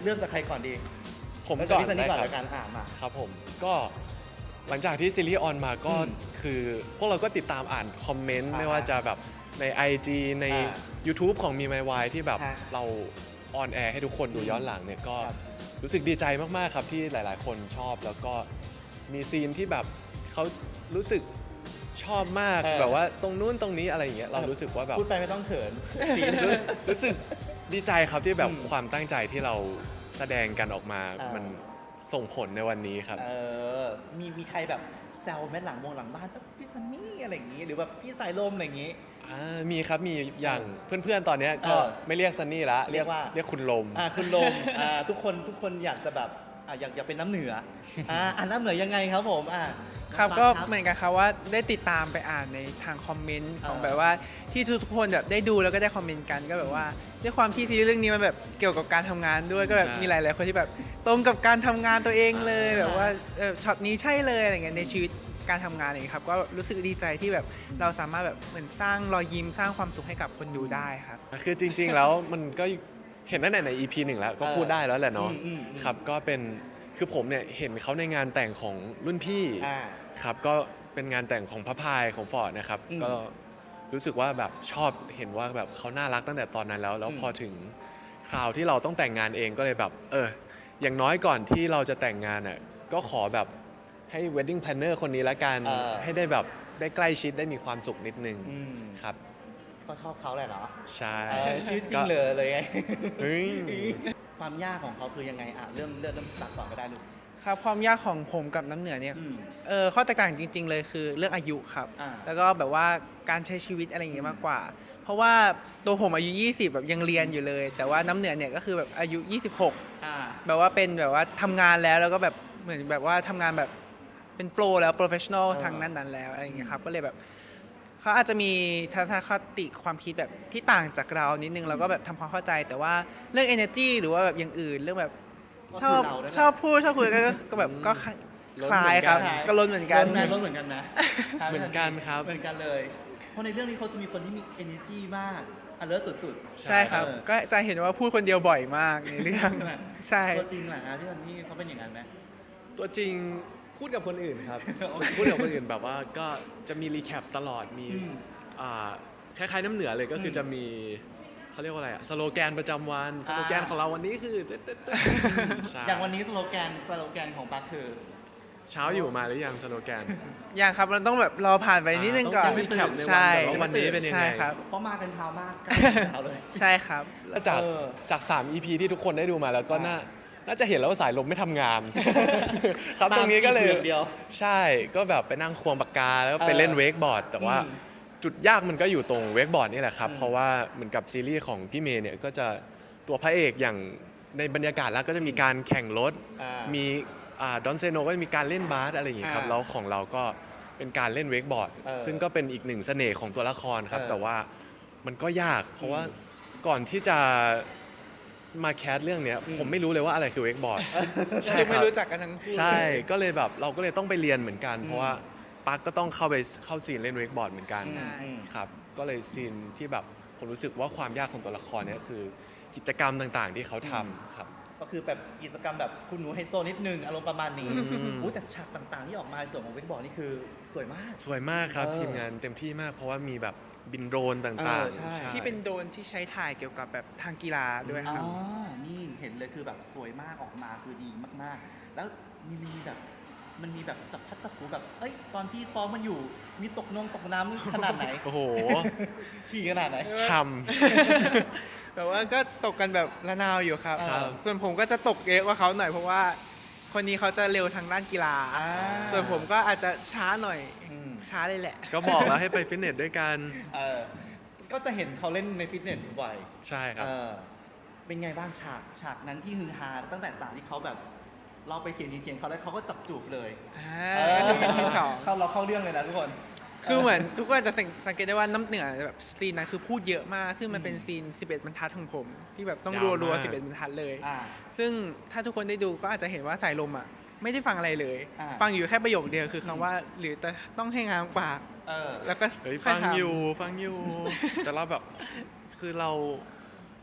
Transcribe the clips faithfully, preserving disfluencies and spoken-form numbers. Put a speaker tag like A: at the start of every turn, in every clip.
A: ริ่มจากใครก่อนดี
B: ผมก่อน
A: พี่ซันนี่
B: ได้
A: ก่อน
B: ครับ
A: แล้วกันอ่านมา
B: ครับผมก็หลังจากที่ซีรีส์ออนมาก็
A: อืม
B: คือพวกเราก็ติดตามอ่านคอมเมนต์
A: อ่า
B: ไม่ว่าจะแบบใน ไอ จี ใน
A: อ่า
B: YouTube ของมีไมวายที่แบบ
A: ฮะ
B: เราออนแอร์ให้ทุกคนดูย้อนหลังเนี่ยก็
A: ครับ
B: รู้สึกดีใจมากๆครับที่หลายๆ คนชอบแล้วก็มีซีนที่แบบเขารู้สึกชอบมาก
A: เออ
B: แบบว่าตรงนู้นตรงนี้อะไรอย่างเงี้ยเรารู้สึกว่าแบบ
A: พูดไปไม่ต้องเขิน
B: รู้รู้สึกดีใจครับที่แบบ
A: อืม
B: ความตั้งใจที่เราแสดงกันออกมา
A: เออ
B: มันส่งผลในวันนี้ครับ
A: เออมีมีใครแบบแซวแม่หลังวงหลังบ้านแบบพี่ซันนี่อะไรอย่างงี้หรือแบบพี่สายลมอะไรอย่างงี้
B: อ่ามีครับมีอย่างเพื่อนๆตอนเนี้ยก็
A: เออ
B: ไม่เรียกซันนี่ละ
A: เรียกว่า
B: เรียกคุณลม
A: อ่าคุณลมอ่าทุกคนทุกคนอยากจะแบบอ่าอยากอยากเป็นน้ำเหนืออ่าอ่าน้ำเหนือยังไงครับผมอ่า
C: ครับ
A: น้อง
C: ก็
A: ปั๊
C: เหมือนกันครับว่าได้ติดตามไปอ่านในทางคอมเมนต์ของ
A: เออ
C: แบบว่าที่ทุกๆคนแบบได้ดูแล้วก็ได้คอมเมนต์กันก็แบบว่าด้วยความที่ซีรีส์เรื่องนี้มันแบบเกี่ยวกับการทำงานด้วยก็แบบ
B: ใช่
C: มีหลายๆคนที่แบบตรงกับการทำงานตัวเองเลย
A: อ่า
C: แบบว่าเออช็อตนี้ใช่เลยอะไรเงี้ยในชีวิตการทำงานอะไรอย่างเงี้ยครับก็รู้สึกดีใจที่แบบเราสามารถแบบเหมือนสร้างรอยยิ้มสร้างความสุขให้กับคนดูได้ครับ
B: คือจริงๆ แล้วมันก็เห็นตั้งแต่ใน อี พี หนึ่งแล้วก็
A: เออ
B: พูดได้แล้วแหละเนาะ
A: อืมอืมอืม
B: ครับก็เป็นคือผมเนี่ยเห็นเขาในงานแต่งของรุ่นพี่
A: อ่า
B: ครับก็เป็นงานแต่งของพระพายของฟอร์ดนะครับ
A: อืม
B: ก็รู้สึกว่าแบบชอบเห็นว่าแบบเขาน่ารักตั้งแต่ตอนนั้นแล้ว แล้ว
A: อืม
B: พอถึงคราวที่เราต้องแต่งงานเองก็เลยแบบเอออย่างน้อยก่อนที่เราจะแต่งงานอ่ะก็ขอแบบให้ wedding planner คนนี้ละกัน
A: เออ
B: ให้ได้แบบได้ใกล้ชิดได้มีความสุขนิดนึง
A: อืม
B: ครับ
A: ก็ชอบเขาแหละเนาะ
B: ใช่
A: เออชีวิตจริงเลยเลยไง
B: เฮ้ย
A: ความยากของเขาคือยังไงอ่ะเริ่มเริ่มเริ่มตัดก่อนก็ได้ลูก
C: ครับความยากของผมกับน้ำเหนือเนี่ย
A: อืม
C: เออข้อแตกต่างจริง ๆ เลยคือเรื่องอายุครับ
A: อ่า
C: แล้วก็แบบว่าการใช้ชีวิตอะไรอย่างเงี้ยมากกว่า เพราะว่าตัวผมอายุ ยี่สิบ แบบยังเรียนอยู่เลย แต่ว่าน้ำเหนือเนี่ยก็คือแบบอายุ ยี่สิบหก
A: อ่า
C: แบบว่าเป็นแบบว่าทำงานแล้วแล้วก็แบบเหมือนแบบว่าทำงานแบบเป็นโปรแล้วโปรเฟชชั่นอล
A: เออ
C: ทางนั้นนั้นแล้วอะไรอย่างเงี้ยครับก็เลยแบบเขาอาจจะมีทัศนคติความคิดแบบที่ต่างจากเรานิดนึงเราก็แบบทำความเข้าใจ แต่ว่าเรื่อง energy หรือว่าแบบอย่างอื่นเรื่องแบบชอบ
A: ก็คือเราด้วยนะ
C: ชอบพูดชอบคุยก็ก็ก็แบบก็คล้าย
B: ล้น
C: คล้ายครับ
B: เหมือนกัน
C: ก็ล้นเหมือนกัน
A: ล้นไหมล้นเหมือนกันนะ
B: เหมือนกันครับ
A: เหมือนกันเลย เพราะในเรื่องนี้เขาจะมีคนที่มี energy มาก alert สุดๆ
C: ใช่ครับ
A: เออ
C: ก็จะเห็นว่าพูดคนเดียวบ่อยมากในเรื่อง
A: ใช่ไหม
C: ใช่
A: ตัวจริงแหละฮะพี่ซันนี่เขาเป็นอย่างนั้นไหม
B: ตัวจริงพูดกับคนอื่นครับ
A: โอเค
B: พูดกับคนอื่นแบบว่าก็จะมีรีแคปตลอดมี
A: อืม
B: อ่าคล้ายๆน้ำเหนือเลยก็คืออ
A: ม
B: จะมีเขาเรียกว่าอะไรอะสโลแกนประจำวันส
A: อ่า
B: โลแกนของเราวันนี้คือตึ๊ดตึ๊ดตึ๊ดใช่
A: อย่างวันนี้สโลแกนสโลแกนของปักคือ
B: เช้าอยู่มาหรือยังสโลแกน
C: อย่างครับเราต้องแบบรอผ่านไปนิดนึงก่อน
B: ต้องรีแคปในวัน
C: ใช่
B: แบบว่าวันนี้เป็นยังไง
C: ใช่ครับ
A: เพราะมากันเช้ามากใกล้เช้าเลย
C: ใช่ครับ
B: แล้วจาก
A: เออ
B: จากสาม อี พี ที่ทุกคนได้ดูมาแล้วก็
A: อ่า
B: น่าน่าจะเห็นแล้วว่าสายลมไม่ทำงาน ครับ
A: ตาม
B: ตรงนี้ก็เลย
A: จีบเดียว
B: ใช่ก็แบบไปนั่งควงปากกาแล้วก็ไปเล่น
A: เออ
B: เวกบอร์ด แต่ว่า
A: อืม
B: จุดยากมันก็อยู่ตรงเวกบอร์ดนี่แหละครับ
A: อืม
B: เพราะว่าเหมือนกับซีรีส์ของพี่เมย์เนี่ยก็จะตัวพระเอกอย่างในบรรยากาศแล้วก็จะมีการแข่งรถ
A: อ่า
B: มีดอนเซโนก็จะมีการเล่นบาสอะไรอย่างงี้ครับ
A: อ่า
B: แล้วของเราก็เป็นการเล่นเวกบอร์ด
A: เออ
B: ซึ่งก็เป็นอีกหนึ่งเสน่ห์ของตัวละครครับ
A: เออ
B: แต่ว่ามันก็ยาก เพราะว่า
A: อืม
B: ก่อนที่จะมาแคสเรื่องเนี้ย
A: อืม
B: ผมไม่รู้เลยว่าอะไรคือเวกบอร์ด ใช่
C: คือ
B: ค
C: ไม่
B: รับ
C: รู้จักกันทั้งคู่
B: ใช่ก็เลยแบบเราก็เลยต้องไปเรียนเหมือนกัน
A: อืม
B: เพราะว่าปักก็ต้องเข้าไปเข้าซีนเล่นเวกบอร์ดเหมือนกัน
A: อืมอืม
B: ครับก็เลยซีนที่แบบผมรู้สึกว่าความยากของตัวละครเนี่ยคือกิจกรรมต่างๆ ที่เขาทำครับ
A: ก็คือแบบกิจกรรมแบบคุณหนูไฮโซนิดนึงอารมณ์ประมาณนี้
B: อืม
A: อู้แต่ฉากต่างๆ ที่ออกมาในส่วนของเวกบอร์ดนี่คือสวยมาก
B: สวยมากครับ
A: เออ
B: ทีมงานเต็มที่มาก เพราะว่ามีแบบบินโดรนต่าง
A: เออใช่
B: ๆ
C: ที่เป็นโดรนที่ใช้ถ่ายเกี่ยวกับแบบทางกีฬาด้วย
A: อ๋
C: ค
A: อ
C: รับ
A: นี่เห็นเลยคือแบบสวยมากออกมาคือดีมากๆ แล้วมีมีแบบมันมีแบบจับพัดจับผูแบบ เอ้ย ตอนที่ซ้อมมันอยู่ มีตกนงตกน้ำขนาดไหน
B: โอ้โห
A: ขี่ขนาดไหน
B: ช่
C: แบบว่าก็ตกกันแบบระนาวอยู่ครับ
A: ครับ
C: ส่วนผมก็จะตกเยอะกว่าเขาหน่อยเพราะว่าคนนี้เขาจะเร็วทางด้านกีฬา
A: อ่า
C: ส่วนผมก็อาจจะช้าหน่อย
A: อืม
C: ช้าเลยแหละ
B: ำก็บอกแล้วให้ไปฟิตเนสด้วยกัน
A: เออก็จะเห็นเขาเล่นในฟิตเนสบ่อย
B: ใช่ครับ
A: เออเป็นไงบ้างฉากฉากนั้นที่ฮือฮาตั้งแต่ตอนที่เขาแบบ เราไปเถียงเถียงเขาแล้วเขาก็จับจูบเลย
C: อ่าก็คือเป็นที่สอง
A: เข้าเราเข้าเรื่องเลยนะทุกคน
C: คือเหมือนทุกคนจะสังเกตได้ว่าน้ำเหนือแบบซีนนั้นคือพูดเยอะมาก ซึ่งมันเป็น
A: อืม
C: ซีน สิบเอ็ด บรรทัดของผม ที่แบบต้อง
B: ยาว
C: รัว
B: มาก
C: ๆ สิบเอ็ด บรรทัดเลย
A: อ่า
C: ซึ่งถ้าทุกคนได้ดูก็อาจจะเห็นว่าสายลมอ่ะไม่ได้ฟังอะไรเลย
A: อ่า
C: ฟังอยู่แค่ประโยคเดียวคือคำว่า หรือแต่ต้องให้งามปาก
A: เออ
C: แล้วก็
B: เฮ้ย
C: ค่
B: ฟั
C: อง ทำ
B: อยู่ฟังอยู่ แต่เราแบบคือเรา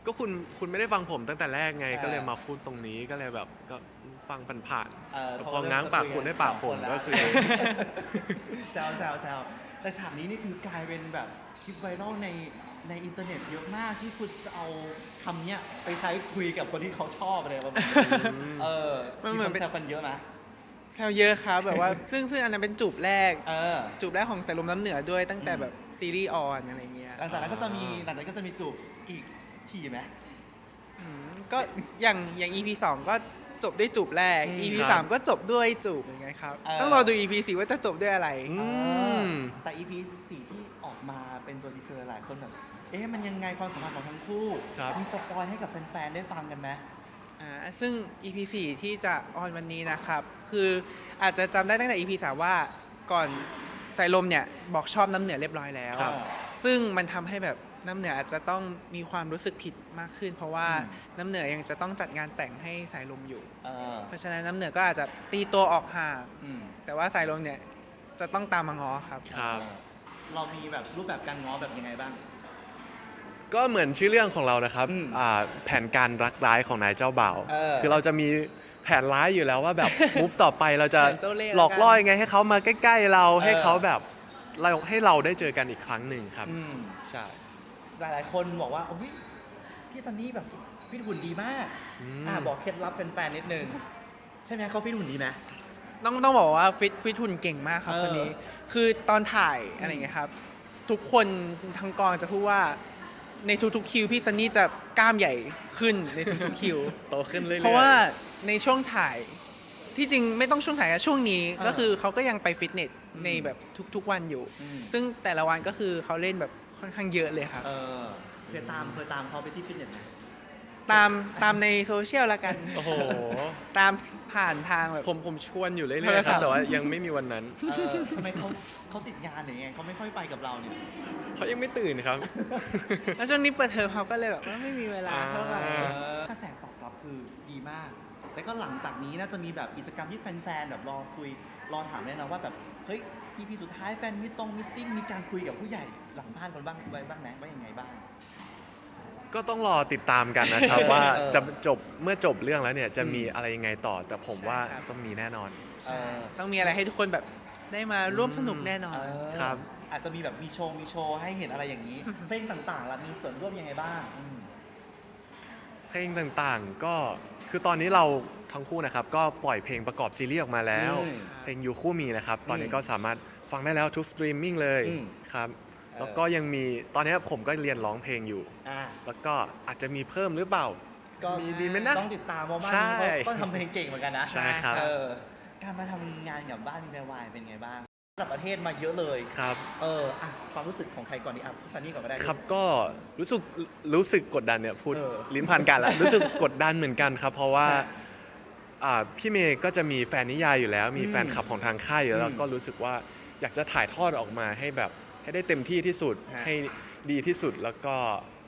B: ก็คุณคุณไม่ได้ฟังผมตั้งแต่แรกไง
A: เออ
B: ก็เลยมาพูดตรงนี้ก็เลยแบบก็ฟังผ่าน
A: เออ
B: ๆแต่
A: เขา
B: พอ
A: เริ่ม
B: ง้างปากคุณให้ปากผม
A: สองคนแล้ว
B: ก็คือ
A: แซวแซวแซวแต่ฉากนี้นี่คือกลายเป็นแบบคลิปไวรัลในในอินเทอร์เน็ตเยอะมากที่คุณจะเอาคำเนี้ยไปใช้คุยกับคนที่เขาชอบอะไรประมาณนี้เออ
C: มันเหมือนเป็น
A: แซวกันเยอะนะ
C: แซวเยอะครับแบบว่า ซึ่งซึ่งอันนั้นเป็นจูบแรก
A: เออ
C: จูบแรกของสายลมน้ำเหนือด้วยตั้งแต่
A: อืม
C: แบบซีรีส์ออนอะไรเงี้ย
A: หลังจากนั้นก็จะมีหลังจากนั้นก็จะมีจูบอีกทีไหม
C: อืมก็อย่างอย่าง อี พี สองก็จบด้วยจูบแรก
A: อืม
C: อี พี
B: ครับ
C: สามก็จบด้วยจูบเหมือนกันครับ
A: เออ
C: ต้องรอดู อี พี สี่ว่าจะจบด้วยอะไร
B: อืม
A: แต่ อี พี สี่ที่ออกมาเป็นตัวทีเซอร์หลายคนแบบ เอ๊ะมันยังไงความสัมพันธ์ของทั้งคู่
B: ครับ
A: มีสปอยให้กับแฟนๆได้ฟังกันไหม
C: อ่าซึ่ง อี พี สี่ที่จะออนวันนี้นะครับ คืออาจจะจำได้ตั้งแต่ อี พี สามว่าก่อนสายลมเนี่ยบอกชอบน้ำเหนือเรียบร้อยแล้ว
B: ครับ
C: ซึ่งมันทำให้แบบน้ำเหนืออาจจะต้องมีความรู้สึกผิดมากขึ้น เพราะว่า
A: อืม
C: น้ำเหนือยังจะต้องจัดงานแต่งให้สายลมอยู่
A: เออ
C: เพราะฉะนั้นน้ำเหนือก็อาจจะตีตัวออกห่าง
A: อืม
C: แต่ว่าสายลมเนี่ยจะต้องตามมาง้อครับ
B: ครับ
A: เออเรามีแบบรูปแบบการง้อแบบยังไงบ้าง
B: ก็เหมือนชื่อเรื่องของเรานะครับ
A: อืม
B: อ่าแผนการรักร้ายของนายเจ้าบ่าว
A: เออ
B: คือเราจะมีแผนร้ายอยู่แล้วว่าแบบ มูฟต่อไปเราจะ
C: แผนเจ้าเล่ห์
B: หลอกล่อยังไงให้เขามาใกล้ ๆ เรา
A: เออ
B: ให้เขาแบบเราให้เราได้เจอกันอีกครั้งหนึ่งครับ
A: อืม
B: ใช่
A: หลายๆคนบอกว่าโอ้ยพี่ซันนี่แบบฟิตหุ่นดีมาก
B: อืม
A: อ่าบอกเคล็ดลับแฟนๆนิดนึง ใช่ไหมเขาฟิตหุ่นดีไหม
C: ต้องต้องบอกว่าฟิตฟิตหุ่นเก่งมากครับ
A: เออ
C: คนนี้ คือตอนถ่ายอะไรอย่างเงี้ยครับ ทุกคนทั้งกองจะพูดว่าในทุกๆคิวพี่ซันนี่จะกล้ามใหญ่ขึ้นในทุกๆคิว
B: โตขึ้นเรื่อยๆ
C: เพราะว่าในช่วงถ่ายที่จริงไม่ต้องช่วงถ่ายนะช่วงนี้
A: เออ
C: ก็คือเขาก็ยังไปฟิตเนส
A: อืม
C: ในแบบทุกๆวันอยู่
A: อืม
C: ซึ่งแต่ละวันก็คือเขาเล่นแบบค่อนข้างเยอะเลยครับ
A: เออเคยตามเคยตามเขาไปที่ฟิตเนสไหม
C: ตามตามในโซเชียลละกัน
B: โอ้โห
C: ตามผ่านทางแบบ
B: ผมผมชวนอยู่เรื่
C: โท
B: อย
C: ร
B: ๆค
C: ศั
B: รั
C: พ
B: บ
C: ท์
B: แต่ว่ายังไม่มีวันนั้น
A: เออทำไมเขาเขาติดงานหรือไงเขาไม่ค่อยไปกับเราเนี่ย
B: เขายังไม่ตื่นครับ
C: แล้วช่วงนี้เปิดเทอมเขาก็เลยแบบว่าไม่มีเวลาเท่าไหร่
B: อ่า
A: เออกระแสตอบรับคือดีมาก แล้วก็หลังจากนี้น่าจะมีแบบกิจกรรมที่แฟนๆแบบรอคุยรอถามแน่นอนว่าแบบเฮ้ย อี พี สุดท้ายแฟนมิตรงมิทติ้งมีการคุยกับผู้ใหญ่หลังบ้านกันบ้างไว้บ้างไหมว่ายังไงบ้าง
B: ก็ต้องรอติดตามกันนะครับ ว่า
A: เออ
B: จะจบเมื่อจบเรื่องแล้วเนี่ยจะมี
A: อืม
B: อะไรยังไงต่อ แต่ผมว่าต้องมีแน่นอน
C: ใช่
A: เออ
C: ต้องมีอะไรให้ทุกคนแบบได้มาร่วมสนุกแน่นอน
A: เออ
B: ครับ
A: อาจจะมีแบบมีโชว์มีโชว์ให้เห็นอะไรอย่างนี้ เพลงต่างๆล่ะมีส่วนร่วมยังไงบ้างอืม
B: เพลงต่างๆ ก็คือตอนนี้เราทั้งคู่นะครับ ก็ปล่อยเพลงประกอบซีรีส์ออกมาแล้ว
A: อืม
B: เพลงยูคู่มีนะครับ ตอนนี้
A: อืม
B: ก็สามารถฟังได้แล้วทุกสตรีมมิ่งเลย
A: อืม
B: ครับ
A: เออ
B: แล้วก็ยังมีตอนนี้ผมก็เรียนร้องเพลงอยู่
A: อ่า
B: แล้วก็อาจจะมีเพิ่มหรือเปล่า
A: ก็
B: มีดีไหมนะ
A: ต้องติดตามเพราะว่า
B: ใช่
A: เขาก็ทำเพลงเก่งเหมือนกันนะ
B: ใช่ครับ
A: เออการมาทำงานกับบ้านมีแวววายเป็นไงบ้างระดับประเทศมาเยอะเลย
B: ครับ
A: เอออ่ะความรู้สึกของใครก่อนดีอ่ะพี่ซันนี่ก่อนก็ได้
B: ครับก็รู้สึกรู้สึกกดดันเนี่ยพูด
A: เออ
B: ลิ้นพันกันแล้ว รู้สึกกดดันเหมือนกันครับ เพราะว่า
A: ฮะ
B: อ่าพี่เมย์ก็จะมีแฟนนิยายอยู่แล้ว มี
A: อืม
B: แฟนคลับของทางค่ายอยู่แล้ว
A: อืม
B: ก็รู้สึกว่าอยากจะถ่ายทอดออกมาให้แบบให้ได้เต็มที่ที่สุด
A: ฮะ
B: ให้ดีที่สุดแล้วก็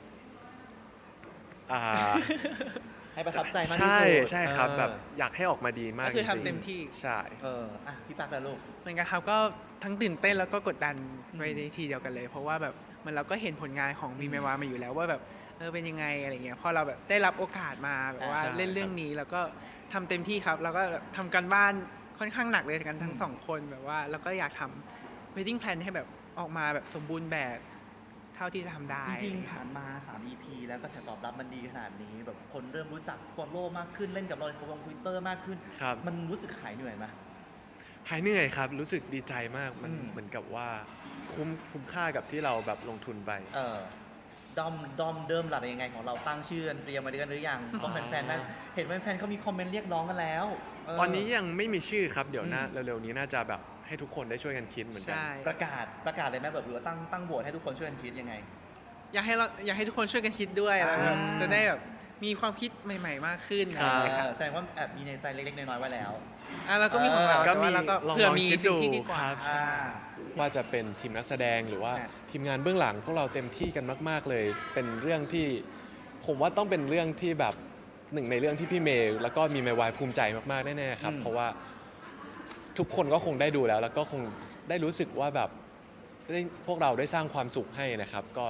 B: อ่า
A: ให้ประทับใจมากที่
B: ใช่
A: สุด
B: ใช่ครับ
A: เออ
B: แบบอยากให้ออกมาดีมาก
C: ก็คือ
B: จริงๆ
C: ทำเต็มที่
B: ใช่
A: เอออ่ะพี่ปักแล้วลูก
C: เหมือนกันครับก็ทั้งตื่นเต้นแล้วก็กดดันไปในทีเดียวกันเลย เพราะว่าแบบเหมันเราก็เห็นผลงานของวีเมวามาอยู่แล้วว่าแบบเออเป็นยังไงอะไรเงี้ยพอเราแบบได้รับโอกาสมาแบบว่า
B: ใช่
C: เล่นเรื่องนี้แล้วก็ทำเต็มที่ครับ แล้วก็แบบทำการบ้านค่อนข้างหนักเลยกันทั้ง
A: อืม
C: สองคนแบบว่าแล้วก็อยากทำ wedding plan ให้แบบออกมาแบบสมบูรณ์แบบเท่าที่จะทำได้
A: จริงๆผ่านมาสาม อี พี แล้วก็แสตอบรับมันดีขนาดนี้ แบบคนเริ่มรู้จักฟอลโล่มากขึ้นเล่นกับเราในทวิตเตอร์ Twitter มากขึ้น
B: ครับ
A: มันรู้สึกหายเหนื่อยไหม
B: หายเหนื่อยครับ รู้สึกดีใจมากมัน
A: อืม
B: เหมือนกับว่าคุ้มคุ้มค่ากับที่เราแบบลงทุนไป
A: เออดอมดอมเดิมหลักยังไงของเราตั้งชื่อกันเตรียมมาด้วยกันหรือยังต้องแฟนๆนะเห็นแฟนๆเขามีคอมเมนต์เรียกร้องกันแล้วเ
B: ตอนนี้ยังไม่มีชื่อครับ เดี๋ยวหน้า
A: อืม
B: เร็วๆนี้น่าจะแบบให้ทุกคนได้ช่วยกันคิดเหมือนกั
C: ใช่
A: ประกาศประกาศเลยไหมแบบหรือว่าตั้งตั้งโหวตให้ทุกคนช่วยกันคิดยังไง
C: อยากให้เราอยากให้ทุกคนช่วยกันคิดด้วยแล้วแบบ
A: อ่า
C: จะได้แบบมีความคิดใหม่ ๆ มากขึ้น
B: ครั
C: อะ
B: บ
C: ไรเงี้ยครับ
A: แสดงว่าแอบมีในใจเล็กๆน้อยๆไว้แล้ว
C: อ่ะเราก็มีของเรา
B: ก็
C: แต่
B: มี
C: ว่าเราก็
B: ลอง
C: เผื่อ
B: ลอง
C: มี
B: คิด
C: สิ่ง
B: ดู
C: ที่ดีกว่า
B: ครับ
A: อ่า
B: ว่าจะเป็นทีมนักแสดงหรือว่า
A: ฮะ
B: ทีมงานเบื้องหลังพวกเราเต็มที่กันมาก ๆเลย เป็นเรื่องที่ผมว่าต้องเป็นเรื่องที่แบบหนึ่งในเรื่องที่พี่เมย์แล้วก็มีเมย์วายภูมิใจมากๆแน่ๆครับ
A: อืม
B: เพราะว่าทุกคนก็คงได้ดูแล้ว แล้วก็คงได้รู้สึกว่าแบบได้พวกเราได้สร้างความสุขให้นะครับ ก็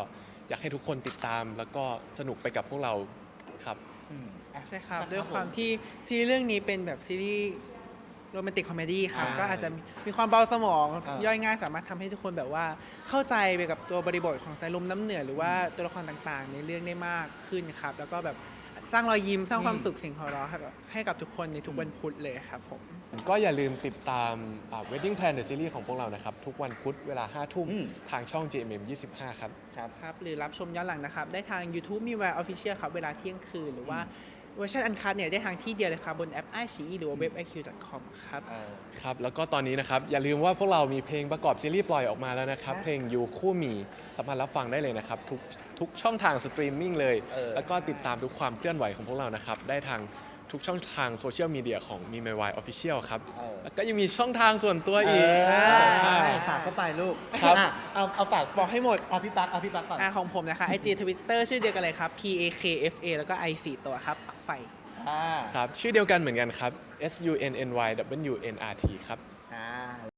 B: อยากให้ทุกคนติดตามแล้วก็สนุกไปกับพวกเราครับ
A: อืมอ่ะ
C: ใช่ครับ
A: นะ
C: ด้วยความ
A: ผ
C: ที่ที่เรื่องนี้เป็นแบบซีรีส์โรแมนติกคอมเมดี้ครับ
A: ใช่
C: ก็อาจจะมีมีความเบาสมอง
A: อ่า
C: ย่อยง่ายสามารถทำให้ทุกคนแบบว่าเข้าใจไปกับตัวบริบทของสายลมน้ำเหนือหรือว่าตัวละครต่างๆ ในเรื่องได้มากขึ้นครับ แล้วก็แบบสร้างรอยยิ้มสร้างความสุขเสิ่งหัวเราะให้กับให้กับทุกคนในทุกวันพุธเลยครับผม
B: ก็อย่าลืมติดตามอ่า Wedding Plan The Series ของพวกเรานะครับ ทุกวันพุธเวลาห้าทุ่ม
A: อืม
B: ทางช่อง จี เอ็ม เอ็ม ยี่สิบห้า ครับ
A: ครับ
C: ครับหรือรับชมย้อนหลังนะครับ ได้ทาง YouTube มีแวร์ออฟฟิเชียลครับเวลาเที่ยงคืน หรือว่าเวอร์ชันอันคัทเนี่ยได้ทางที่เดียวเลยครับ บนแอป ไอ ซี อี หรือว่าเว็บ ไอ คิว ดอท คอม ครับ
A: เออ
B: ครับ แล้วก็ตอนนี้นะครับ อย่าลืมว่าพวกเรามีเพลงประกอบซีรีส์ปล่อยออกมาแล้วนะครับ
C: ครับ
B: เพลงยูคู่มีสามารถรับฟังได้เลยนะครับ ทุกทุกช่องทางสตรีมมิ่งเลย
A: เออ
B: แล้วก็ติดตามทุกความเคลื่อนไหวของพวกเรานะครับ ได้ทางทุกช่องทางโซเชียลมีเดียของมี My Why Official ครับ
A: เออ
B: แล้วก็ยังมีช่องทางส่วนตัวอีก
A: ใช่
C: ใช่
A: ฝากเข้าไปลูก
B: ครับ
A: อ่ะเอาเอาฝาก
C: บอกให้หมด
A: เอาพี่ปักเอาพี่ปักก่อน
C: อ่าของผมนะคะ ไอ จี Twitter ชื่อเดียวกันเลยครับ P A K F A แล้วก็ I สี่ตัวครับปักไฟ
A: อ่า
B: ครับ ชื่อเดียวกันเหมือนกันครับ S U N N Y W N R T ครับ
A: อ่า